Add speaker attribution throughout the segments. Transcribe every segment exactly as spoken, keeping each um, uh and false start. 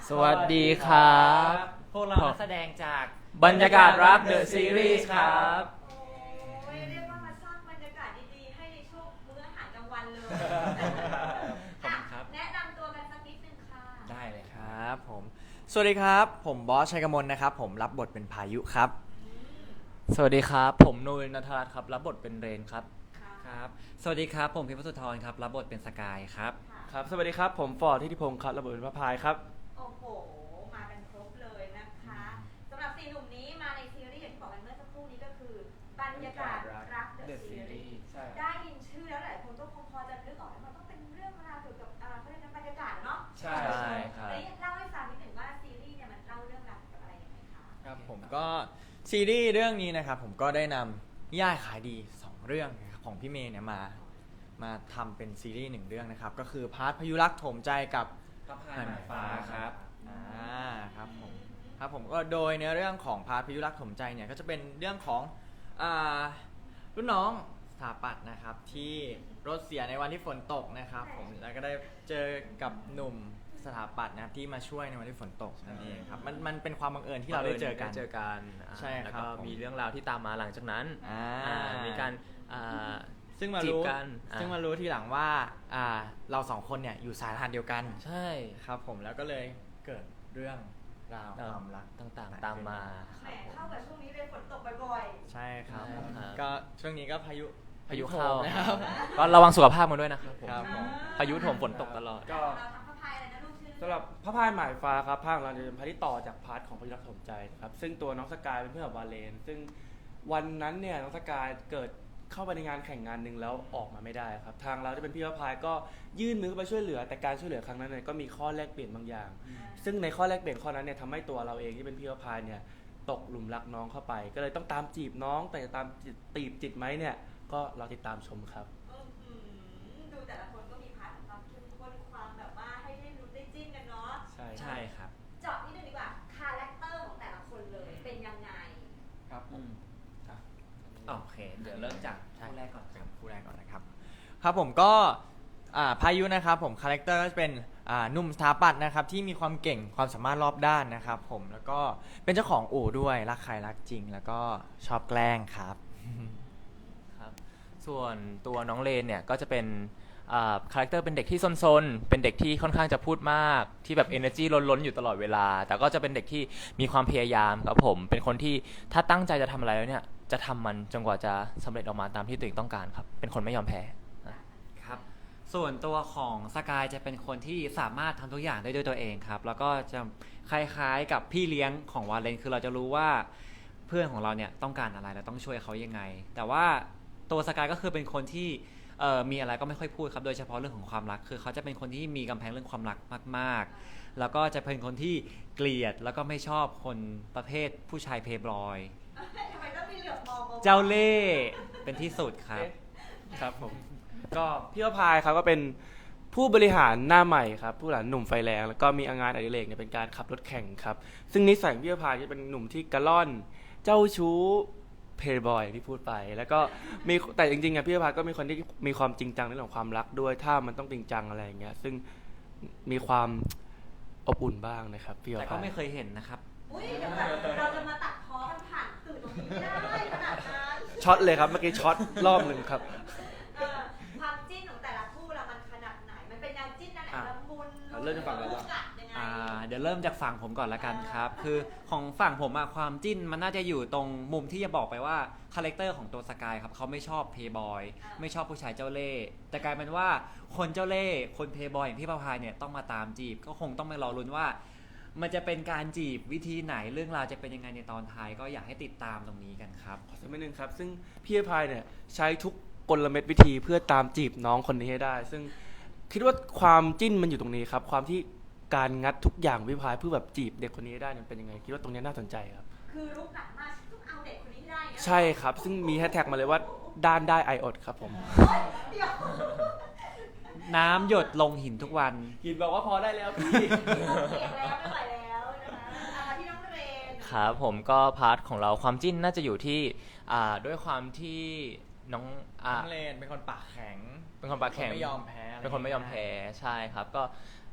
Speaker 1: สวัสดีครับ
Speaker 2: พวกเรานักแสดงจาก
Speaker 1: บรรยากาศรักเดอะซีรีส์ครับ
Speaker 3: โอ้ยเรียกว่ามาสร้างบรรยากาศดีๆให้ในช่วงมื้ออาหารกลางวันเลย
Speaker 2: ขอบคุณครับ
Speaker 3: แนะนำตัวกันสักนิดนึงค่ะ
Speaker 2: ได้เลยค
Speaker 1: ครับ รับผมสวัสดีครับผมบอสชัยกมลนะครับผมรับบทเป็นพายุครับสวัสดีครับผมนุ้ยณัฐรัตน์ครับรับบทเป็นเรนครับ
Speaker 2: ครับสวัสดีครับผมพิมพ์สุธรครับรับบทเป็นสกายครับ
Speaker 4: ครับ สวัสดีครับ ผมฟอร์ดทิติพงศ์ครับระเบิดพระพายครับ
Speaker 3: โอ้โห มากันครบเลยนะคะสำหรับสี่หนุ่มนี้มาในซีรีส์อย่างที่บอกกันเมื่อสักครู่นี้ก็คือบรรยากาศรักเดอะซีรีส์
Speaker 4: ใช่
Speaker 3: ได้ยินชื่อแล้วหลายคนก็คงพอจะนึกออกว่ามันต้องเป็นเรื่องราวเกี่ยวกับอ่าเขาเรียกว่าบรรยากาศเนาะ
Speaker 4: ใช่
Speaker 1: ครับ
Speaker 3: แล้วเล่าให้ฟังนิดหนึ่งว่าซีรีส์เนี่ยมันเล่าเรื่องราวเกี่ยวกับอะไรยังไงคะ
Speaker 1: ครับผมก็ซีรีส์เรื่องนี้นะครับผมก็ได้นำนิยายขายดีสองเรื่องนะครับของพี่เมย์เนี่ยมามาทำเป็นซีรีส์หนึ่งเรื่องนะครับก็คือพาร์ทพายุรักโถมใจกับ
Speaker 2: พระพายหมายฟ้าครับ
Speaker 1: อ่าครับผมครับผมก็โดยเนื้อเรื่องของพาร์ทพายุรักโถมใจเนี่ยก็จะเป็นเรื่องของอ่ารุ่นน้องสถาปัตย์นะครับที่รถเสียในวันที่ฝนตกนะครับผมแล้วก็ได้เจอกับหนุ่มสถาปัตย์นะครับที่มาช่วยในวันที่ฝนตกนั่นเองครับมันมันเป็นความบังเอิญที่เราได้เจอกัน
Speaker 5: เจอกันอ่า
Speaker 1: ใช่ครับ
Speaker 5: แล้วก็มีเรื่องราวที่ตามมาหลังจากนั้น
Speaker 1: อ่า
Speaker 5: อ่ามีการอ่า
Speaker 1: ซึ่งมา
Speaker 5: จีบ
Speaker 1: รู้
Speaker 5: กันอ่า
Speaker 1: ซึ่งมารู้ทีหลังว่าอ่าเราสองคนเนี่ยอยู่สายทานเดียวกัน
Speaker 5: ใช่
Speaker 1: ครับผมแล้วก็เลยเกิดเรื่องราวความรัก
Speaker 5: ต่างๆตามมา
Speaker 3: แหมเข้ากับช่วงนี้เลยฝนตกบ่อย
Speaker 1: ใช่ครับ
Speaker 5: ใช่ครับ
Speaker 1: ก็ช่วงนี้ก็พายุ
Speaker 5: พายุเข้า
Speaker 1: โถมนะครับ
Speaker 5: ก็ระวังสุขภาพกันด้วยนะครับผม
Speaker 1: ครับผม
Speaker 5: พายุโถมฝนตกตลอด
Speaker 3: ๆ
Speaker 4: ก็
Speaker 3: เราทำพระพายอะไรนะลูกชื่อ
Speaker 4: สำหรับพระพายหมายฟ้าครับภาคเราจะเป็นพาร์ทที่ต่อจากพาร์ทของพายุรักสมใจนะครับซึ่งตัวน้องสกายเป็นเพื่อนกับวาเลน ซึ่งวันนั้นเนี่ยน้องสกายเกิดเข้าไปในงานแข่งงานหนึ่งแล้วออกมาไม่ได้ครับทางเราที่เป็นพี่พระพายก็ยื่นมือเข้าไปช่วยเหลือแต่การช่วยเหลือครั้งนั้นเนี่ยก็มีข้อแลกเปลี่ยนบางอย่าง ซึ่งในข้อแลกเปลี่ยนข้อนั้นเนี่ยทำให้ตัวเราเองที่เป็นพี่พระพายเนี่ยตกหลุมรักน้องเข้าไป ก็เลยต้องตามจีบน้อง แต่จะตามจีบตีบจิตไหมเนี่ยก็เราติดตามชมครับ
Speaker 3: อื้อหือดูแต่ละคนก็มีพาร์ทของความเข้มข้นความแบบว่าให้ได้ลุ้นได้จิ้นกันเนาะ
Speaker 4: ใช่
Speaker 2: ใช่ครับ
Speaker 3: เจาะนิดนึงดีกว่าคาแรคเตอร์ของแต่ละคนเลยเป็นยังไง
Speaker 1: ครับผม
Speaker 2: โอเค เดี๋ยวเริ่มจากคู่แรกก่อนครับ
Speaker 1: ผู้แรกก่อนนะครับครับผมก็อ่าพายุนะครับผมคาแรคเตอร์ก็จะเป็นอ่าหนุ่มสถาปัตย์นะครับที่มีความเก่งความสามารถรอบด้านนะครับผมแล้วก็เป็นเจ้าของอู่ด้วยรักใครรักจริง แล้วก็ชอบแกล้งครับ
Speaker 5: ครับส่วนตัวน้องเลนเนี่ยก็จะเป็นคาแรคเตอร์เป็นเด็กที่ซนๆ เป็นเด็กที่ค่อนข้างจะพูดมากที่แบบ energy ล้นๆอยู่ตลอดเวลา แต่ก็จะเป็นเด็กที่มีความพยายามครับผมเป็นคนที่ถ้าตั้งใจจะทำอะไรแล้วเนี่ยจะทำมันจนกว่าจะสำเร็จออกมาตามที่ตัวเองต้องการครับเป็นคนไม่ยอมแพ้
Speaker 2: ครับ ส่วนตัวของสกายจะเป็นคนที่สามารถทำทุกอย่างได้ด้วยตัวเองครับ แล้วก็จะคล้ายๆกับพี่เลี้ยงของวาเลนคือเราจะรู้ว่าเพื่อนของเราเนี่ยต้องการอะไรเราต้องช่วยเขายังไง แต่ว่าตัวสกายก็คือเป็นคนที่เอ่อมีอะไรก็ไม่ค่อยพูดครับโดยเฉพาะเรื่องของความรักคือเขาจะเป็นคนที่มีกำแพงเรื่องความรักมากๆ แล้วก็จะเป็นคนที่เกลียดแล้วก็ไม่ชอบคนประเภทผู้ชายเพย์บอย
Speaker 3: ทำไมต้องมีเหลือบมอง
Speaker 2: เจ้าเล่ห์เป็นที่สุดครับ
Speaker 4: ครับผมก็พี่พระพายครับก็เป็นผู้บริหารหน้าใหม่ครับผู้บริหารหนุ่มไฟแรงแล้วก็มีงานอดิเรกเนี่ยเป็นการขับรถแข่งครับซึ่งนิสัยของพี่พระพายจะเป็นหนุ่มที่กระล่อนเจ้าชู้เพย์บอยที่พูดไป แล้วก็มีแต่จริงๆอ่ะพี่พระพายก็มีคนที่มีความจริงจังในเรื่องของความรักด้วยถ้ามันต้องจริงจังอะไรอย่างเงี้ยซึ่งมีความอบอุ่นบ้างนะครับพี่พ
Speaker 2: แต่
Speaker 4: ระ
Speaker 2: ก็
Speaker 4: พาย
Speaker 2: ไม่เคยเห็นนะครับ
Speaker 3: อุ้ยเดี๋ยวแบบเราจะมาตัดพ้อกันผ่านสื่อตรงนี้ไม่ได้ขนาดนั้น
Speaker 4: ช็อตเลยครับเมื่อกี้ช็อตรอบหนึ่งครับ
Speaker 3: เออความจิ้นของแต่ละคู่ละมันขนาดไหน มันเป็นแนวจิ้นนั่นแหละ
Speaker 4: อ่ะ
Speaker 3: ละมุน
Speaker 4: อ่ะเริ่มจากฝั่งเราก่อน
Speaker 3: กัดยังไง
Speaker 2: อ่าเดี๋ยวเริ่มจากฝั่งผมก่อนละกันครับ คือของฝั่งผมอะความจิ้นมันน่าจะอยู่ตรงมุมที่จะบอกไปว่าคาแรคเตอร์ของตัวสกายครับเขาไม่ชอบเพย์บอยไม่ชอบผู้ชายเจ้าเล่ห์แต่กลายเป็นว่าคนเจ้าเล่ห์คนเพย์บอยอย่างพี่ประภายเนี่ยต้องมาตามจีบ ก็คงต้องไปรอลุ้นว่า มันจะเป็นการจีบวิธีไหนเรื่องราวจะเป็นยังไงในตอนท้ายก็อยากให้ติดตามตรงนี้กันครับ
Speaker 4: ขอสักนิดนึงครับซึ่งพี่พายเนี่ยใช้ทุกกลเม็ดวิธีเพื่อตามจีบน้องคนนี้ให้ได้ ซึ่งคิดว่าความจิ้นมันอยู่ตรงนี้ครับความที่การงัดทุกอย่างพี่พายเพื่อแบบจีบเด็กคนนี้ให้ได้เนี่ยเป็นยังไงคิดว่าตรงนี้น่าสนใจครับ
Speaker 3: คือลุกหนักมากต้องเอาเด็กคนนี้ให้ได้นะ
Speaker 4: ใช่ครับซึ่งมีแฮชแท็กมาเลยว่าด้านได้ไออดครับผม
Speaker 3: เฮ้ยเดี๋ยว
Speaker 2: น้ำหยดลงหินทุกวัน
Speaker 4: หินบอกว่าพอได้แล้วพี่
Speaker 3: เสียงแล้วไม่ไหวแล้วนะคะเอามาที่น้องเรน
Speaker 5: ครับผมก็พาร์ทของเราความจิ้นน่าจะอยู่ที่อ่าด้วยความที่น้องอ่า
Speaker 1: น้องเลนเป็นคนปากแข็ง
Speaker 5: เป็นคนปากแข็ง
Speaker 1: ไม่ยอมแพ้ะร
Speaker 5: เป็นคนไม่ยอมแพ้ใช่ครับก็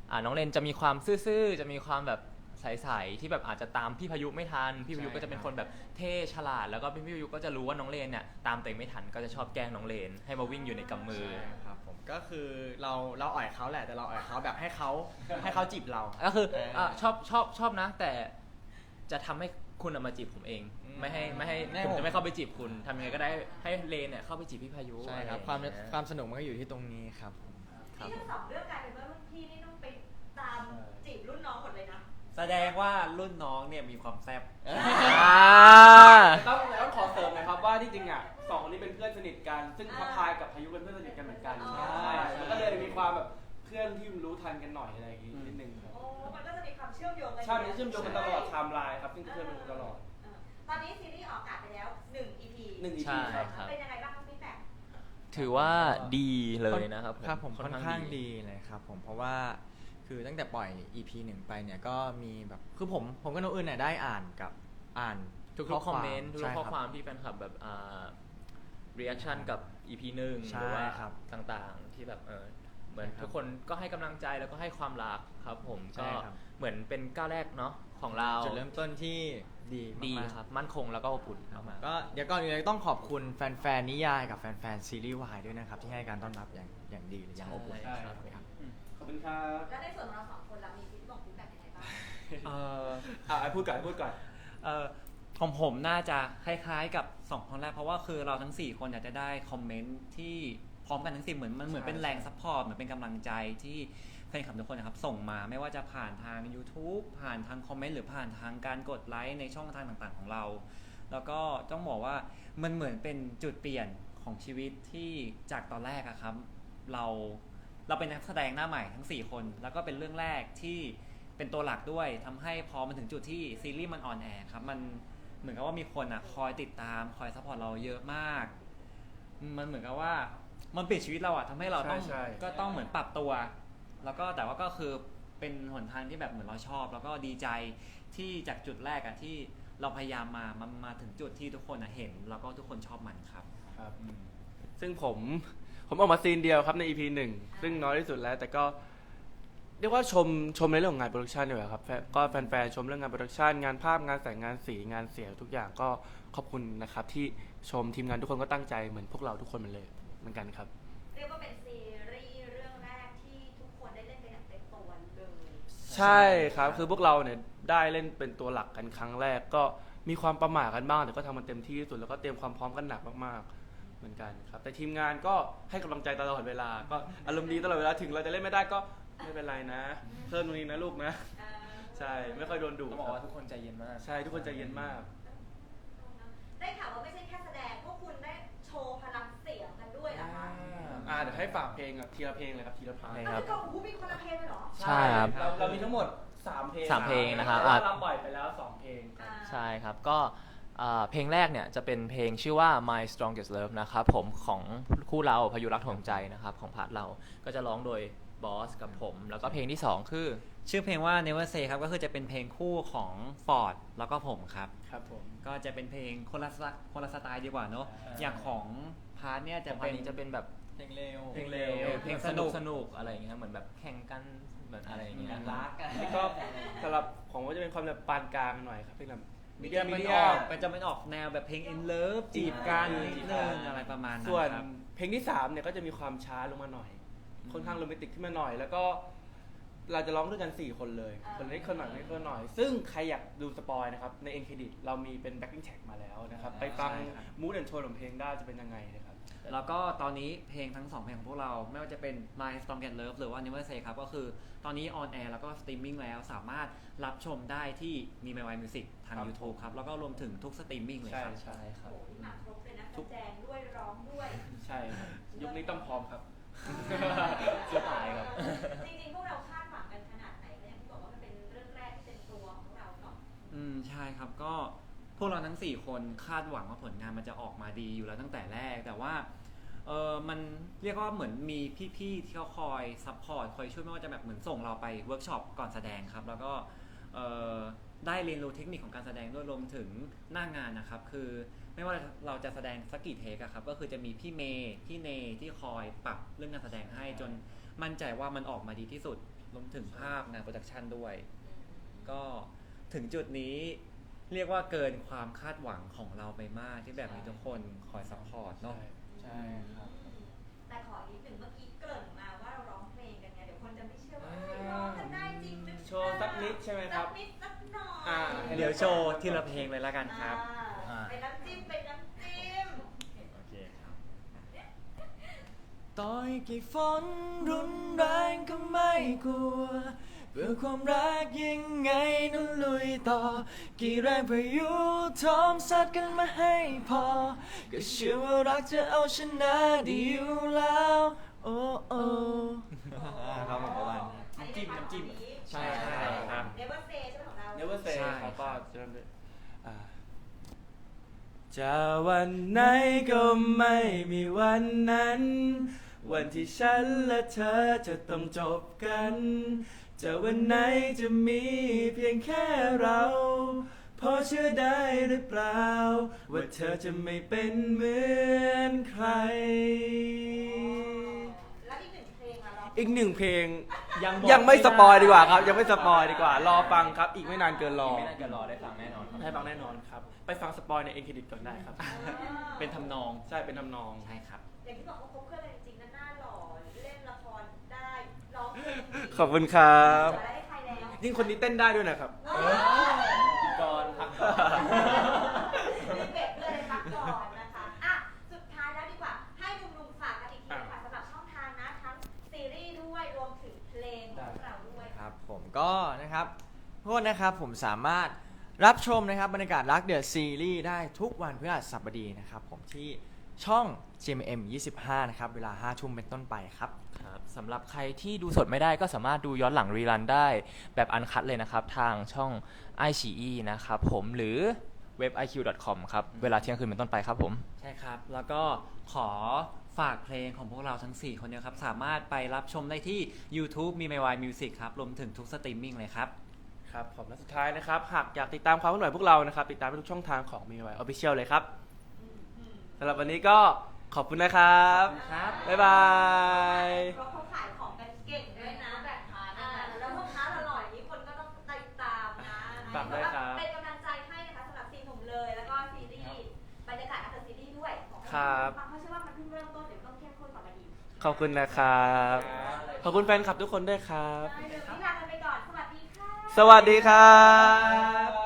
Speaker 5: อ่าน้องเลนจะมีความซื่อๆจะมีความแบบใสๆที่แบบอาจจะตามพี่พายุไม่ทันพี่พายุ
Speaker 1: ใช่
Speaker 5: ก็จะเป็นคนแบบเท่ฉลาด แล้วก็พี่พายุก็จะรู้ว่าน้องเลนเนี่ยตามตัวเองไม่ทันก็จะชอบแกล้งน้องเลนให้มาวิ่งอยู่ในกำมือ
Speaker 1: ใช่ครับผมก็คือเราเราอ่อยเขาแหละแต่เราอ่อยเขาแบบให้เขาให้เขาจีบเรา
Speaker 5: ก็คือ
Speaker 1: เออ
Speaker 5: อ่ะชอบชอบชอบนะ แต่จะทำให้คุณอะมาจีบผมเอง
Speaker 1: อืม
Speaker 5: ไม่ให้ไม่ให้
Speaker 1: ไม่
Speaker 5: ผม
Speaker 1: ผม
Speaker 5: จะไม่เข้าไปจีบคุณทำยังไงก็ได้ให้เลนเนี่ยเข้าไปจีบพี่พายุ
Speaker 1: ใช่ครับ
Speaker 5: อะ
Speaker 1: ความ
Speaker 5: ไอย่งเงี้ย
Speaker 1: ความสนุกมันก็อยู่ที่ตรงนี้ครับผม
Speaker 5: ครับ
Speaker 3: นี่ทั้งสองเรื่องกลายเป็นว่ารุ่นพี่นี่ต้องไปตามจีบรุ่นน้องหมดเลยนะ
Speaker 2: แสดงว่ารุ่นน้องเนี่ยมีความแซ่บ
Speaker 1: อ่า
Speaker 4: ต้องแล้วขอเสริมหนะครับว่าที่จริงอ่ะสองคนนี้เป็นเพื่อนสนิทกัน ซึ่งพระพายกับพายุเป็นเพื่อนสนิทกันเหมือนกัน
Speaker 3: อ๋อ
Speaker 4: ใช่มันก็เลยมีความแบบเพื่อนที่รู้ทันกันหน่อยอะไรอย่างงี้นิดนึงครับ
Speaker 3: โอ้มันก็จะมีความเชื่อมโยงกัน
Speaker 4: ใช่มันจะเชื่อมโยงกันตลอดไทม์ไลน์ครับซึ่งเพื่อนมันรู้ตลอด
Speaker 3: เออตอนนี้ซีรีส์ออกอากาศไปแล้วหนึ่ง อี พี
Speaker 4: หนึ่ง อี
Speaker 5: ใช่
Speaker 4: พีครับ
Speaker 5: ครับ
Speaker 3: เป็นยังไงบ้างครับฟีดแบ็ก
Speaker 5: ถือว่าดีเลยนะครับ
Speaker 1: ครับผมค่อนข้างดีเลยครับผมเพราะว่าคือตั้งแต่ปล่อย อี พี หนึ่งไปเนี่ยก็มีแบบคือผมผมกับน้องอื่นเนี่ยได้อ่านกับอ่าน
Speaker 5: ทุกๆคอมเมนต์ทุก
Speaker 1: ใช่
Speaker 5: ๆข้อ
Speaker 1: รับ
Speaker 5: ความที่แฟนคลับแบบอ่า reaction กับ อี พี หนึ่ง
Speaker 1: ใช่
Speaker 5: หรือว่า
Speaker 1: ครับ
Speaker 5: ต่างๆที่แบบเออเหมือน
Speaker 1: ใช่ครับ
Speaker 5: ทุกคนก็ให้กำลังใจแล้วก็ให้ความรักครับผม
Speaker 1: ใช่
Speaker 5: ก็
Speaker 1: ครับ
Speaker 5: เหมือนเป็นก้าวแรกเนาะของเรา
Speaker 1: จุดเริ่มต้นที่ดี
Speaker 5: ดี
Speaker 1: มากๆ
Speaker 5: ครับมั่นคงแล้วก็อบอุ่นมากๆ
Speaker 1: ก็เดี๋ยวก่อนอื่นเลยต้องขอบคุณแฟนๆนิยายกับแฟนๆซีรีส์วายด้วยนะครับ ที่ให้การต้อนรับอย่างอย่างดีเลยอย่างอบอุ่น
Speaker 5: ใช่
Speaker 1: ครับ
Speaker 5: ครับ
Speaker 4: ขอบคุณครับ
Speaker 3: แล้วในส่วนของเราสองคนเรามีฟีดบ็กฟีดแบ็กยังไงบ้าง
Speaker 2: เออ
Speaker 4: อ่ะพูดก่อนพูดก่อน
Speaker 2: เออของผมน่าจะคล้ายๆกับสองคนแรกเพราะว่าคือเราทั้งสี่คนอยากจะได้คอมเมนต์ที่พร้อมกันทั้งสี่เหมือนมันเหมือนเป็นแรงซัพพอร์ตเหมือนเป็นกำลังใจที่แฟนคลับทุกคนนะครับส่งมาไม่ว่าจะผ่านทาง YouTube ผ่านทางคอมเมนต์หรือผ่านทางการกดไลค์ในช่องทางต่างๆของเรา แล้วก็ต้องบอกว่ามันเหมือนเป็นจุดเปลี่ยนของชีวิตที่จากตอนแรกอะครับเราเราเป็นนักแสดงหน้าใหม่ทั้งสี่คนแล้วก็เป็นเรื่องแรกที่เป็นตัวหลักด้วยทำให้พอมาถึงจุดที่ซีรีส์มันออนแอร์ครับมันเหมือนกับว่ามีคนอะคอยติดตามคอยซัพพอร์ตเราเยอะมาก มันเหมือนกับว่ามันเปลี่ยนชีวิตเราอะทำให้เราต้อง
Speaker 4: ใช่ใช่
Speaker 2: ก็ต้องเหมือนปรับตัว แล้วก็แต่ว่าก็คือเป็นหนทางที่แบบเหมือนเราชอบ แล้วก็ดีใจที่จากจุดแรกอะที่เราพยายามมามามาถึงจุดที่ทุกคนอะเห็น แล้วก็ทุกคนชอบมันครับ
Speaker 4: ครับซึ่งผมผมออกมาซีนเดียวครับใน อี พี หนึ่งซึ่งน้อยที่สุดแล้วแต่ก็เรียกว่าชมชมในเรื่องของงานโปรดักชันดีกว่าครับแฟนก็แฟนๆชมเรื่องงานโปรดักชันงานภาพงานแสงงานสีงานเสียงทุกอย่างก็ขอบคุณนะครับที่ชมทีมงานทุกคนก็ตั้งใจเหมือนพวกเราทุกคนเหมือนเลยเหมือนกันครับ
Speaker 3: เรียกว่าเป็นซีรีส์เรื่องแรกที่ทุกคนได้เล่นเป็นอย่างเต็มตัวเลย
Speaker 4: ใช่ครับคือพวกเราเนี่ยได้เล่นเป็นตัวหลักกันครั้งแรกก็มีความประหม่ากันบ้างแต่ก็ทำมันเต็มที่ที่สุดแล้วก็เตรียมความพร้อมกันหนักมากๆเหมือนกันครับแต่ทีมงานก็ให้กำลังใจตลอดเวลาก็อารมณ์ดีตลอดเวลาถึงเราจะเล่นไม่ได้ก็ไม่เป็นไรนะ เพิ่มตรงนี้นะลูกนะ
Speaker 3: เออ
Speaker 4: ใช่ไม่ค่อยโดนดุ
Speaker 5: ต้องบอกว่าทุกคนใจเย็นมาก
Speaker 4: ใช่ทุกคนใจเย็นมาก
Speaker 3: ได้ข่าวว่าไม่ใช่แค่แสดงพวกคุณได้โชว์พลังเสียงกันด้วยเหรอคะ
Speaker 4: อ่าเดี๋ยวให้ฝากเพลงกับทีละเพลงเลยครับทีละพาร์ท
Speaker 5: ใช่
Speaker 3: อ้าวคือก็โอ้โหมีคนละเพลงเลยเหรอ
Speaker 5: ใช่ครับ
Speaker 4: เราเรามีทั้งหมดสามเพลง
Speaker 5: สามเพลงนะครับ
Speaker 4: แต่ว่า
Speaker 5: อ่ะ
Speaker 4: เราปล่อยไปแล้วสองเพลงครับ
Speaker 3: อ่า
Speaker 5: ใช่ครับก็อ่าเพลงแรกเนี่ยจะเป็นเพลงชื่อว่า My Strongest Love นะครับผมของคู่เราพายุรักถ่วงใจนะครับของพาร์ทเราก็จะร้องโดยบอสกับผม แล้วก็เพลงที่สองคือ
Speaker 2: ชื่อเพลงว่า Never Say ครับก็คือจะเป็นเพลงคู่ของ Ford แล้วก็ผมครับ
Speaker 4: ครับผม
Speaker 2: ก็จะเป็นเพลงคนละสไตล์คนละสไตล์ดีกว่าเนอะ
Speaker 4: อ่า
Speaker 2: อย่างของพาร์ทเนี่ย
Speaker 5: จะ
Speaker 2: จะ
Speaker 5: เป็
Speaker 2: เป็น น
Speaker 5: จะเป็นแบบ
Speaker 1: เพลงเร็ว
Speaker 2: เพลงเร็ว
Speaker 5: เออเพลง
Speaker 2: เพลง
Speaker 5: ส
Speaker 2: สนุ
Speaker 5: นุก
Speaker 2: ก
Speaker 5: สนุกอะไรอย่างเงี้ยเหมือนแบบแข่งกันเหมือนอะไรอย่างเงี้ย
Speaker 1: รักอะ
Speaker 4: แล้วก็สำหรับของผมก็จะเป็นความแบบปานกลางหน่อยครับเป็นแบบมีเดีย
Speaker 2: จะ
Speaker 4: มี
Speaker 2: มัน
Speaker 4: เดี
Speaker 2: อย อกมันจะมันออกแนวแบบเพลง in love จีบกันนิดนึงอะไรประมาณนั้น
Speaker 4: ส่วน
Speaker 2: ครับ
Speaker 4: เพลงที่สามเนี่ยก็จะมีความช้าลงมาหน่อย ค่อนข้างโรแมนติกขึ้นมาหน่อย แล้วก็เราจะร้องด้วยกันสี่คนเลย คนนี้คนหน่อยคนนี้คนหน่อย ซึ่งใครอยากดูสปอยนะครับใน End Credit เรามีเป็น backing track มาแล้วนะครับไปฟัง
Speaker 2: ใช่ครับ
Speaker 4: มูดแอนโทนของเพลงได้จะเป็นยังไงนะครับ
Speaker 2: แล้วก็ตอนนี้เพลงทั้งสองเพลงของพวกเราไม่ว่าจะเป็น My Strongest Love หรือว่า Never Say ครับก็คือตอนนี้ออนแอร์แล้วก็สตรีมมิ่งแล้วสามารถรับชมได้ที่มี My Way Music ทาง
Speaker 4: ครับ
Speaker 2: YouTube ครับ แล้วก็รวมถึงทุกสตรีมมิ่งเลยครับ
Speaker 4: ใช่
Speaker 5: ใช่ครับ
Speaker 3: โอ้โหมาครบเลยนะแสดงด้วยร้องด้วย
Speaker 4: ใช่ครับยุคนี้ต้องพร้อมครับ
Speaker 5: เสื้อตายครับ
Speaker 3: จริงๆพวกเราคาดหวังกันขนาดไหนก็อย่างที่บอกว่ามันเป็นเรื่องแรกที่เป็นตัวของพวกเราเนาะ
Speaker 2: อืมใช่ครับก็พวกเราทั้งสี่คนคาดหวังว่าผลงานมันจะออกมาดีอยู่แล้วตั้งแต่แรก แต่ว่าเออมันเรียกว่าเหมือนมีพี่ๆที่เขาคอยซัพพอร์ตคอยช่วยไม่ว่าจะแบบเหมือนส่งเราไปเวิร์กช็อปก่อนแสดงครับแล้วก็เออได้เรียนรู้เทคนิคของการแสดงด้วยรวมถึงหน้างานนะครับคือไม่ว่าเราจะแสดงสักกี่เทคอะครับก็คือจะมีพี่เมย์พี่เนที่คอยปรับเรื่องการแสดงให้จนมั่นใจว่ามันออกมาดีที่สุดรวมถึงภาพงานโปรดักชันด้วย ก็ถึงจุดนี้เรียกว่าเกินความคาดหวังของเราไปมากที่แบบมีทุกคนคอยซัพพอร์ตเนาะ
Speaker 1: ใช่ครับ
Speaker 3: แต่ขอนิดหนึ่งเมื่อกี้เกริ่นมาว่าเราร้องเพลงกันไงเดี๋ยวคนจะไม่เชื่อว่าเฮ้ยร้องกันได้จริงหรือเปล่า
Speaker 4: โชว์สักนิดใช่ไหมครับ
Speaker 3: สักนิดสักหน่อย
Speaker 4: อ่า
Speaker 2: เดี๋ยวโชว์ทีละเพลงเลยละกันครับ
Speaker 3: อ่าเป็นน้ำจิ้มเป็นน้ำจิ้ม
Speaker 1: โอเคครับ ต่อยกี่ฝนรุนแรงก็ไม่กลัว เพื่อความรักยังไงนั้นลุยต่อ กี่แรงพายุทอมซัดกันมาให้พอ ก็เชื่อว่ารักจะเอาชนะได้อยู่แล้ว โอ้โอ้ครับผมประมาณนี้
Speaker 3: น้ำจิ้มน้ำจิ้ม
Speaker 1: ใช่ใช่
Speaker 4: ครับ
Speaker 3: เนเวอร์เซใช่ไหมของเรา
Speaker 4: Never say
Speaker 2: ใช่
Speaker 4: เขาก็จะเริ่มด้วยอ่าจะวันไหนก็ไม่มีวันนั้น วันที่ฉันและเธอจะต้องจบกัน จะวันไหนจะมีเพียงแค่เราพอเชื่อได้หรือเปล่า ว่าเธอจะไม่เป็นเหมือนใคร
Speaker 3: แล้วอีกหนึ่งเพลงอะร้อง
Speaker 4: อีกหนึ่งเพลง
Speaker 2: ยังบอก
Speaker 4: ยังไม่
Speaker 2: ไม่ได้
Speaker 4: สปอยดีกว่าครับ ยังไม่สปอยดีกว่า รอฟังครับ อีกไม่นานเกินรอ
Speaker 5: ไม่น่าจะรอได้ฟังแน่นอนครับ
Speaker 4: ให้ฟังแน่นอนครับ ไปฟังสปอยในเอ็นเครดิตก่อนได้ครับ
Speaker 2: เป็นทำนอง
Speaker 4: ใช่เป็นทำนอง
Speaker 2: ใช่ครับ
Speaker 3: อย่างที่บอกเขาคบเพื่อนเลยจริงๆนะหน้าหล่อเล่นละครได้ร้องเพลงดี
Speaker 4: ขอบคุณครับ
Speaker 3: อะไรให้ใครแล้ว
Speaker 4: ยิ่งคนนี้เต้นได้ด้วยนะครับ
Speaker 2: ก่อนพักก่อน
Speaker 3: รีเบรกเลยพักก่อนนะคะอ่ะสุดท้ายแล้วดีกว่า ให้หนุ่มๆฝากกันอีกทีค่ะสำหรับช่องทางนะทั้งซีรีส์ด้วยรวมถึงเพลงของเราด้วย
Speaker 1: ครับผมก็นะครับโทษนะครับผมสามารถรับชมนะครับบรรยากาศรักเดอะซีรีส์ได้ทุกวันพฤหัสบดีนะครับผมที่ช่อง จี เอ็ม เอ็ม ยี่สิบห้านะครับเวลาห้าทุ่มเป็นต้นไปครับ
Speaker 5: ครับสำหรับใครที่ดูสดไม่ได้ก็สามารถดูย้อนหลังรีรันได้แบบอันคัดเลยนะครับ ทางช่อง ไอ ซี อี นะครับผมหรือเว็บ ไอ คิว ดอท คอม ครับเวลาเที่ยงคืนเป็นต้นไปครับผม
Speaker 2: ใช่ครับ แล้วก็ขอฝากเพลงของพวกเราทั้ง สี่ คนเนี่ยครับ สามารถไปรับชมได้ที่ YouTube มี My Music ครับ รวมถึงทุกสตรีมมิ่งเลยครับ
Speaker 4: ครับผมและสุดท้ายนะครับ หากอยากติดตามความเคลื่อนไหวพวกเรานะครับ ติดตามได้ทุกช่องทางของมีไวออฟฟิเชียลเลยครับสำหรับวันนี้ก็ขอบคุณนะครับ
Speaker 2: ครับ
Speaker 4: บ๊ายบาย
Speaker 3: เพราะเขาขายของกันเก่งด้วยนะแบบอ่าแล้วพ่อค้าอร่อยนี้คนก็ต้องติดตามนะ
Speaker 4: ฝากด้วยครับ
Speaker 3: เป็นกำลังใจให้นะคะสำหรับซีนหนุ่มเลย แล้วก็ซีรีส์บรรยากาศอัลซีรีส์ด้วยของ
Speaker 4: ครับ
Speaker 3: ฟังเพราะเชื่อว่ามันเพิ่งเริ่มต้นเดี๋ยวต้องเข้มข้นต่อไปอีก
Speaker 4: ขอบคุณนะครับ ขอบคุณแฟนคลับทุกคนด้วยครับ
Speaker 3: ได้เลยวันนี้ลากันไปก่อน สวัสดีค่ะ
Speaker 4: สวัสดีครับ